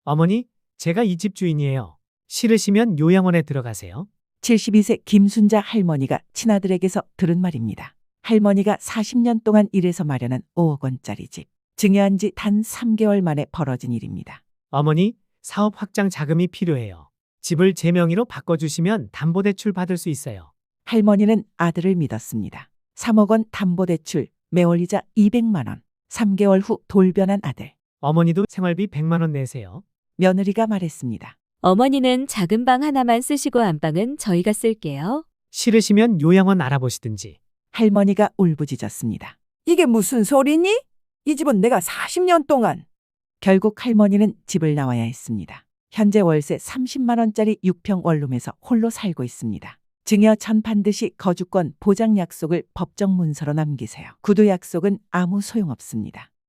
어머니, 제가 이 집 주인이에요. 싫으시면 요양원에 들어가세요. 72세 김순자 할머니가 친아들에게서 들은 말입니다. 할머니가 40년 동안 일해서 마련한 5억 원짜리 집. 증여한 지 단 3개월 만에 벌어진 일입니다. 어머니, 사업 확장 자금이 필요해요. 집을 제 명의로 바꿔주시면 담보대출 받을 수 있어요. 할머니는 아들을 믿었습니다. 3억 원 담보대출, 매월 이자 200만 원. 3개월 후 돌변한 아들. 어머니도 생활비 100만 원 내세요. 며느리가 말했습니다. 어머니는 작은 방 하나만 쓰시고 안방은 저희가 쓸게요. 싫으시면 요양원 알아보시든지. 할머니가 울부짖었습니다. 이게 무슨 소리니? 이 집은 내가 40년 동안. 결국 할머니는 집을 나와야 했습니다. 현재 월세 30만 원짜리 6평 원룸에서 홀로 살고 있습니다. 증여 전 반드시 거주권 보장 약속을 법정 문서로 남기세요. 구두 약속은 아무 소용없습니다.